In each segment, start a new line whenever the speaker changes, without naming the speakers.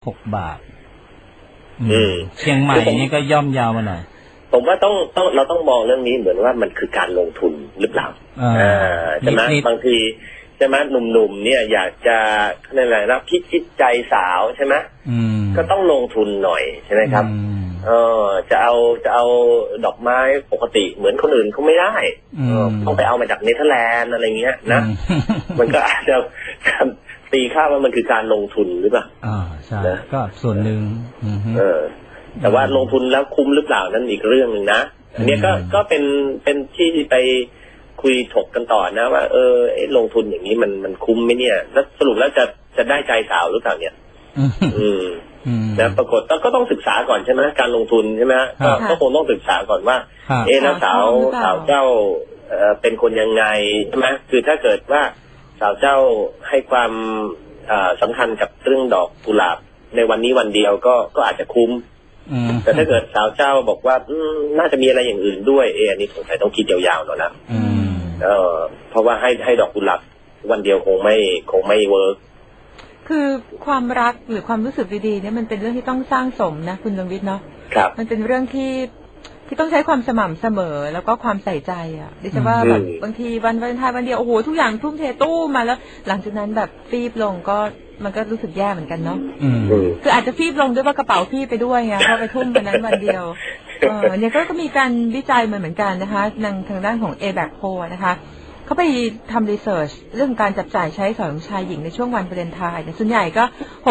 6 บาทเชียงใหม่นี่ก็ย่อมยาวมาหน่อย
ผมว่าเราต้องมองเรื่องนี้เหมือนว่ามันคือการลงทุนหรือเปล่าใช่ไหมบางทีใช่ไหมหนุ่มๆเนี่ยอยากจะอะไรนะพิชิตใจสาวใช่ไหมก็ต้องลงทุนหน่อยใช่ไหมครับจะเอาดอกไม้ปกติเหมือนคนอื่นเขาไม่ได้ต้องไปเอามาจากเนเธอร์แลนด์อะไรเงี้ยนะมันก็อาจจะตีค่าว่ามันคือการลงทุนหรือเปล่า
ใช่ก็ส่วนหนึ่ง
แต่ว่าลงทุนแล้วคุ้มหรือเปล่านั่นอีกเรื่องหนึ่งนะอันนี้ก็เป็นที่ไปคุยถกกันต่อนะว่าลงทุนอย่างนี้มันคุ้มไหมเนี่ยแล้วสรุปแล้วจะได้ใจสาวหรือเปล่าเนี่ยนะปรากฏก็ต้องศึกษาก่อนใช่ไหมการลงทุนใช่ไหมก็คงต้องศึกษาก่อนว่าแล้วสาวเจ้าเป็นคนยังไงใช่ไหมคือถ้าเกิดว่าสาวเจ้าให้ความสำคัญกับเรื่องดอกกุหลาบในวันนี้วันเดียวก็อาจจะคุ้มแต่ถ้าเกิดสาวเจ้าบอกว่าน่าจะมีอะไรอย่างอื่นด้วยอันนี้สงสัยต้องคิดยาวๆหน่อยนะเพราะว่าให้ดอกกุหลาบวันเดียวคงไม่เวิร์ก
คือความรักหรือความรู้สึกดีๆเนี่ยมันเป็นเรื่องที่ต้องสร้างสมนะคุณดวงวิทย์เนาะมันเป็นเรื่องที่ต้องใช้ความสม่ำเสมอแล้วก็ความใส่ใจอ่ะดิฉันว่าแบบบางทีวันวาเลนไทน์วันเดียวโอ้โหทุกอย่างทุ่มเทตู้มาแล้วหลังจากนั้นแบบฟีบลงก็มันก็รู้สึกแย่เหมือนกันเนาะคืออาจจะฟีบลงด้วยว่ากระเป๋าฟีบไปด้วยไงเพราะไปทุ่มวันนั้นวันเดียวเนี่ยก็มีการวิจัยเหมือนกันนะคะทางด้านของ ABAC Poll นะคะเขาไปทำรีเสิร์ชเรื่องการจับจ่ายใช้สอยของชายหญิงในช่วงวันวาเลนไทน์ส่วนใหญ่ก็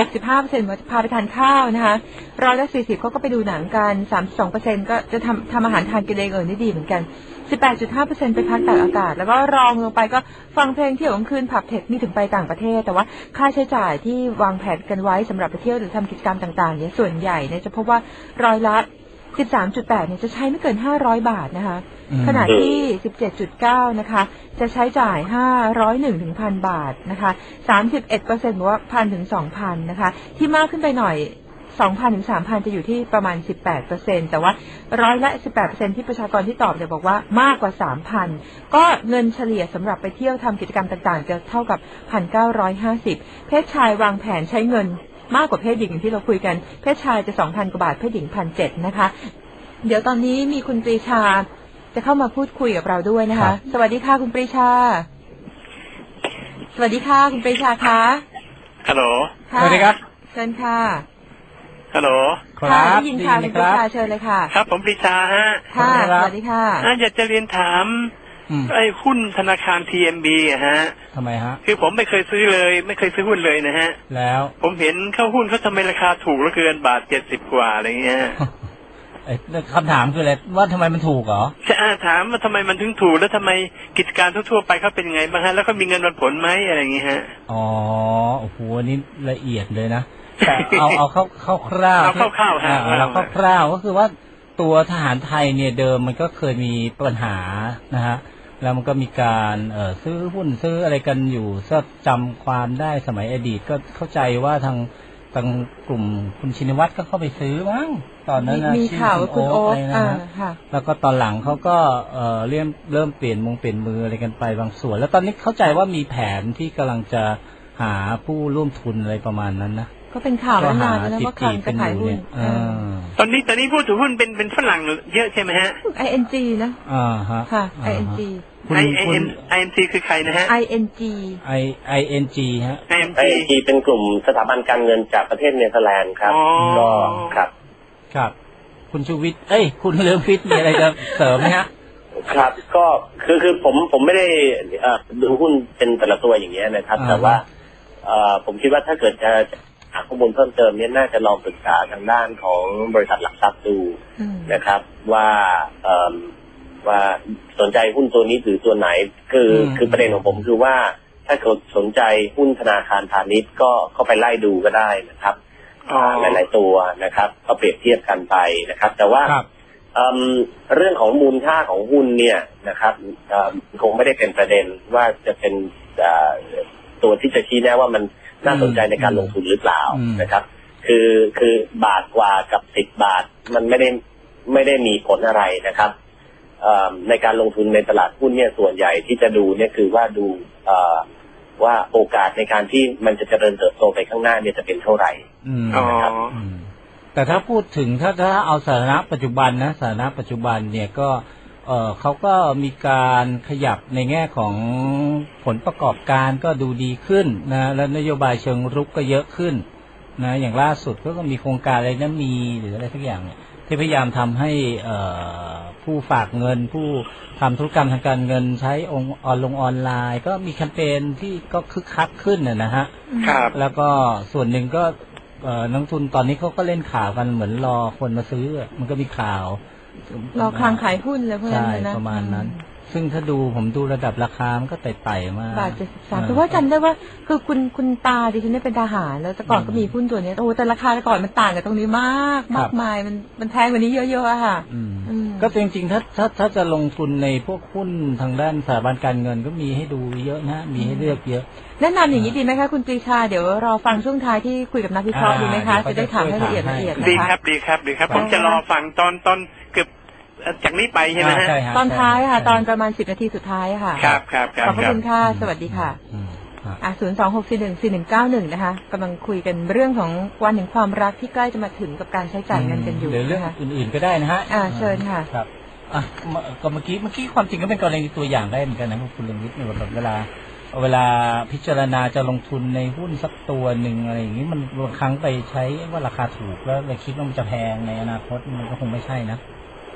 65% พาไปทานข้าวนะคะ40%เขาก็ไปดูหนังกัน 32% ก็จะทำอาหารทานกินเองได้ดีเหมือนกัน 18.5% ไปพักตากอากาศแล้วก็รองลงไปก็ฟังเพลงเที่ยวกลางคืนผับเทคนี่ถึงไปต่างประเทศแต่ว่าค่าใช้จ่ายที่วางแผนกันไว้สำหรับไปเที่ยวหรือทำกิจกรรมต่างๆเนี่ยส่วนใหญ่เนี่ยจะพบว่าร้อยละ 13.8 เนี่ยจะใช้ไม่เกิน500 บาทนะคะขณะที่ 17.9 นะคะจะใช้จ่าย501 ถึง 1,000 บาทนะคะ 31% บอกว่า 1,000 ถึง 2,000 นะคะที่มากขึ้นไปหน่อย 2,000 ถึง 3,000 จะอยู่ที่ประมาณ 18% แต่ว่าร้อยละ 18% ที่ประชากรที่ตอบเนี่ยบอกว่ามากกว่า 3,000 ก็เงินเฉลี่ยสำหรับไปเที่ยวทำกิจกรรมต่างๆจะเท่ากับ 1,950 เพศชายวางแผนใช้เงินมากกว่าเพศหญิงที่เราคุยกันเพศชายจะ 2,000 กว่าบาทเพศหญิง 1,700 นะคะเดี๋ยวตอนนี้มีคุณปรีชาจะเข้ามาพูดคุยกับเราด้วยนะคะสวัสดีค่ะคุณปรีชาสวัสดีค่ะคุณปรีชาคะ
ฮัลโหล
สวัสดีครับเชิญค่ะ
ฮัลโหล
ค่ะได้ยินค่ะคุณปรีชาเชิญเลยค่ะ
ครับผมปรีชาฮะ
ค่ะสวัสดีค่ะ
อยากจะเรียนถามไอ้หุ้นธนาคาร TMB ฮะ
ทำไมฮะ
คือผมไม่เคยซื้อเลยไม่เคยซื้อหุ้นเลยนะฮะ
แล้ว
ผมเห็นเข้าหุ้นเขาทำไมราคาถูกเหลือเกินบาท70 กว่าอะไรเงี้ย
คำถามคืออะไรว่าทำไมมันถูกเหรอ
ใช่ถามว่าทำไมมันถึงถูกแล้วทำไมกิจการทั่วไปเขาเป็นยังไงบ้างฮะแล้วก็มีเงินปันผลไหมอะไรอย่างเงี้ยฮะ
อ๋อโอ้โหนี่ละเอียดเลยนะแต่เอาคร่าวๆ
เอาคร่าวๆฮะ
เราคร่าวๆก็คือว่าตัวทหารไทยเนี่ยเดิมมันก็เคยมีปัญหานะฮะแล้วมันก็มีการซื้อหุ้นซื้ออะไรกันอยู่ถ้าจำความได้สมัยอดีตก็เข้าใจว่าทางกลุ่มคุณชินวัตรก็เข้าไปซื้อมั้งตอนนั้น
มีข่าวคุณโอ๊ค
แล้วก็ตอนหลังเขาก็เริ่มเปลี่ยนมืออะไรกันไปบางส่วนแล้วตอนนี้เข้าใจว่ามีแผนที่กำลังจะหาผู้ร่วมทุนอะไรประมาณนั้นนะ
ก็เป็นข่าวมานานแล้วว่าใครจะขายหุ้น
ตอนนี้ผู้ถือหุ้นเป็นฝรั่งเยอะใช่ไหมฮะ
ING นะค่ะ ING
ING คือใครนะฮะ
ING ฮะ
ING เป็นกลุ่มสถาบันการเงินจากประเทศเนเธอร์แลนด์ครับก็
ครับคุณชูวิทย์คุณเลืองวิทย์มีอะไรจะเสริมไหมฮะ
ครับก็คือผมไม่ได้ดูหุ้นเป็นแต่ละตัวอย่างเงี้ยนะครับแต่ว่าผมคิดว่าถ้าเกิดจะหาข้อมูลเพิ่มเติมเนี่ยน่าจะลองปรึกษาทางด้านของบริษัทหลักทรัพย์ดูนะครับว่าสนใจหุ้นตัวนี้หรือตัวไหนคือประเด็นของผมคือว่าถ้าเกิดสนใจหุ้นธนาคารพาณิชย์ก็เข้าไปไล่ดูก็ได้นะครับหลายๆตัวนะครับก็เปรียบเทียบกันไปนะครับแต่ว่าเรื่องของมูลค่าของหุ้นเนี่ยนะครับคงไม่ได้เป็นประเด็นว่าจะเป็นตัวที่จะชี้แน่ว่ามันน่าสนใจในการลงทุนหรือเปล่านะครับคือบาทกว่ากับ10 บาทมันไม่ได้มีผลอะไรนะครับในการลงทุนในตลาดหุ้นเนี่ยส่วนใหญ่ที่จะดูเนี่ยคือว่าดูว่าโอกาสในการที่มันจะเจริญเติบโตไปข้างหน้าเนี่ยจะเป็นเท่าไหร่นะครับ
แต่ถ้าพูดถึงถ้าเอาสถานะปัจจุบันนะสถานะปัจจุบันเนี่ยก็เขาก็มีการขยับในแง่ของผลประกอบการก็ดูดีขึ้นนะแล้วนโยบายเชิงรุกก็เยอะขึ้นนะอย่างล่าสุดก็มีโครงการอะไรนะมีหรืออะไรสักอย่างเนี่ยที่พยายามทำให้ผู้ฝากเงินผู้ทำธุรกรรมทางการเงินใช้ออนไลน์ก็มีแคมเปญที่ก็คึกคักขึ้นนะฮะ
ครับ
แล้วก็ส่วนหนึ่งก็นักทุนตอนนี้เขาก็เล่นข่าวกันเหมือนรอคนมาซื้อมันก็มีข่าว
รอคลังขายหุ้นเลยพวกนั้นนะ
ประมาณนั้นซึ่งถ้าผมดูระดับราคามันก็ไต่ๆมาก
บาท73แต่ว่าจำได้ว่าคือคุณตาดิฉันได้เป็นทหารแล้วแต่ก่อนก็มีหุ้นตัวนี้โอ้แต่ราคาแต่ก่อนมันต่างกันตรงนี้มากมายมันแพงกว่านี้เยอะๆอะค่ะ
ก็จริงๆถ้าจะลงทุนในพวกหุ้นทางด้านสถาบันการเงินก็มีให้ดูเยอะนะมีให้เลือกเยอะ
แนะนำอย่างนี้ดีไหมคะคุณปรีชาเดี๋ยวรอฟังช่วงท้ายที่คุยกับนักวิเคราะห์ดีไหมคะจะได้ถามให้ละเอียดนะคะ
ดีครับผมจะรอฟังตอนเกือบจากนี้ไปใช่ไหมฮะ
ตอนท้ายค่ะตอนประมาณ10 นาทีสุดท้ายค่ะ
ครับ
ขอบคุณค่ะสวัสดีค่ะ026414191นะคะกำลังคุยกันเรื่องของวันแห่งความรักที่ใกล้จะมาถึงกับการใช้จ่ายเงินกันอยู่
เรื่องอื่นๆก็ได้นะฮะ
เชิญค่ะ
ครับก็เมื่อกี้ความจริงก็เป็นกรณีตัวอย่างได้เหมือนกันนะคุณเรืองวิทย์เนี่ยแบบเวลาพิจารณาจะลงทุนในหุ้นสักตัวหนึ่งอะไรอย่างนี้มันบางครั้งไปใช้ว่าราคาถูกแล้วเลยคิดว่ามันจะแพงในอนาคตมันก็คงไม่ใช่นะ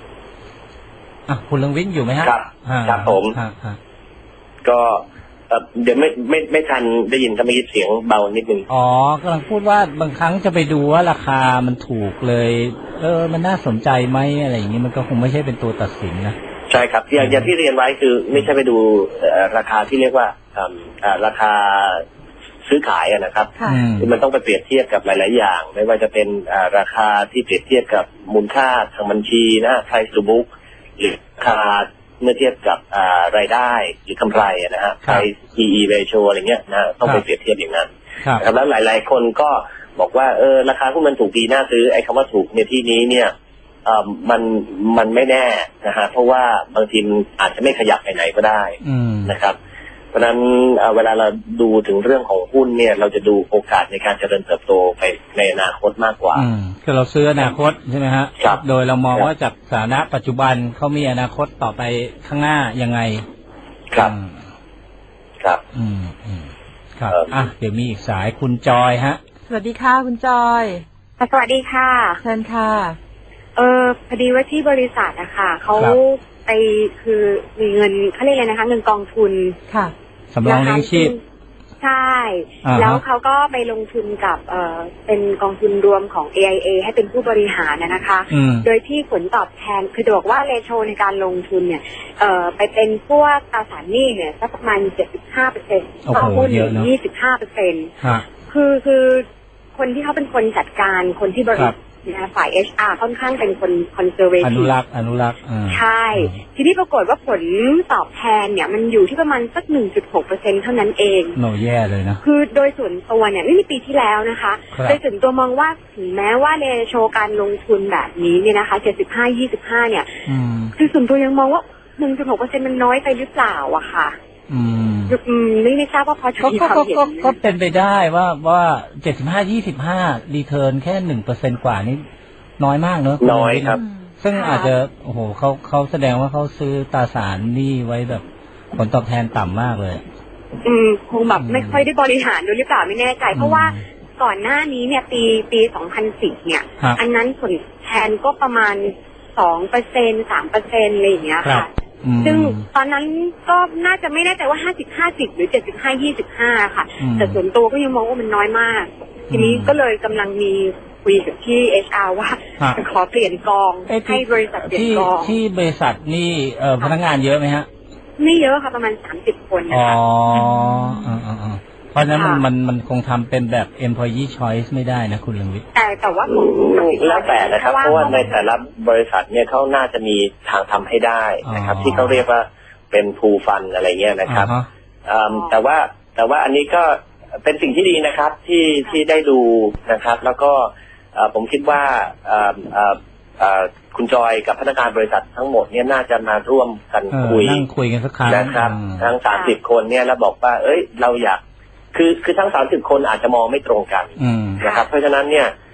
คุณเรืองวิทย์อยู่ไหมฮะ
ครับผมก็เดี๋ยวไม่ทันได้ยินทำไมเสียงเบานิดนึง
กำลังพูดว่าบางครั้งจะไปดูว่าราคามันถูกเลยมันน่าสนใจไหมอะไรอย่างนี้มันก็คงไม่ใช่เป็นตัวตัดสินนะ
ใช่ครับอย่างที่เรียนไว้คือไม่ใช่ไปดูราคาที่เรียกว่าราคาซื้อขายนะครับคือมันต้องไปเปรียบเทียบกับหลายๆอย่างไม่ว่าจะเป็นราคาที่เปรียบเทียบกับมูลค่าทางบัญชีนะ price to book หรือราคาเมื่อเทียบกับรายได้หรือกำไรนะฮะ price PE ratio อะไรเงี้ยนะต้องไปเปรียบเทียบอย่างนั้นแล้วหลายๆคนก็บอกว่าราคาหุ้นมันถูกดีน่าซื้อไอ้คำว่าถูกในที่นี้เนี่ยมันไม่แน่นะฮะเพราะว่าบางทีอาจจะไม่ขยับไปไหนก็ได้นะครับเพราะฉะนั้นเวลาเราดูถึงเรื่องของหุ้นเนี่ยเราจะดูโอกาสในการเจริญเติบโตไปในอนาคตมากกว่า
คือเราซื้ออนาคตใช่ไหมฮะโดยเรามองว่าจากสถานะปัจจุบันเขามีอนาคตต่อไปข้างหน้ายังไง
ครับ
ครับครับเดี๋ยวมีอีกสายคุณจอยฮะ
สวัสดีค่ะคุณจอย
สวัสดีค่ะ
เชิญค่ะ
พอดีว่าที่บริษัทนะคะเขาไปคือมีเงินเขาเรียกอะไรนะคะเงินกองทุน
ค่ะ
สำรองเลี้ยงชีพ
ใช่แล้วเขาก็ไปลงทุนกับเป็นกองทุนรวมของ AIA ให้เป็นผู้บริหารนะคะโดยที่ผลตอบแทนคือบอกว่าเรโชในการลงทุนเนี่ยไปเป็นพวกตราสารหนี้เนี่ยสักประมาณ 75%ต่อหุ้น 25% คือคนที่เขาเป็นคนจัดการคนที่บริหารฝ่าย HR ค่อนข้างเป็นคนคอนเซอร์เวทีฟ
อนุรักษ์
ใช่ทีนี้ปรากฏว่าผลตอบแทนเนี่ยมันอยู่ที่ประมาณสัก 1.6% เท่านั้นเอง
แย่เลยนะ
คือโดยส่วนตัวเนี่ยนี่ในปีที่แล้วนะคะโดยส่วนตัวมองว่าถึงแม้ว่าในโชว์การลงทุนแบบนี้เนี่ยนะคะ75-25เนี่ยคือส่วนตัวยังมองว่า 1.6% มันน้อยไปหรือเปล่าอะค่ะไม่ทราบว่าพอจะมีความเห็น
ก็เป็นไปได้ว่า75-25รีเทิร์นแค่ 1% กว่านี่น้อยมากเนอะ
น้อยครับ
ซึ่งอาจจะโอ้โหเขาแสดงว่าเขาซื้อตราสารหนี้ไว้แบบผลตอบแทนต่ำมากเลย
คงแบบไม่ค่อยได้บริหารด้วยหรือเปล่าไม่แน่ใจเพราะว่าก่อนหน้านี้เนี่ยปี2010เนี่ยอันนั้นผลแทนก็ประมาณ 2% 3% อะไรอย่างเงี้ยค่ะซึ่งตอนนั้นก็น่าจะไม่แน่ใจว่า50-50หรือ75-25ค่ะแต่ส่วนตัวก็ยังมองว่ามันน้อยมากทีนี้ก็เลยกำลังมีคุยกับที่ HR ว่าจะขอเปลี่ยนกองให้บริษัทเปลี่ยนกอง
ที่บริษัทนี่พนักงานเยอะไหมฮะ
ไม่เยอะค่ะประมาณ30 คนนะคะ
เพราะฉะนั้นมันคงทำเป็นแบบ employee choice ไม่ได้นะคุณเรืองวิทย์
แต่ว่า
แล้วแต่นะครับเพราะว่าในแต่ละบริษัทเนี่ยเขาน่าจะมีทางทำให้ได้นะครับที่เขาเรียกว่าเป็น pool fund อะไรเงี้ยนะครับแต่ว่าอันนี้ก็เป็นสิ่งที่ดีนะครับที่ได้ดูนะครับแล้วก็ผมคิดว่าคุณจอยกับพนักงานบริษัททั้งหมดเนี่ยน่าจะมาร่วมกัน
นั่งคุยกันสักครั้ง
นะครับทั้ง30 คนเนี่ยแล้วบอกว่าเราอยากคือทั้ง30 คนอาจจะมองไม่ตรงกันนะครับเพราะฉะนั้นเนี่ย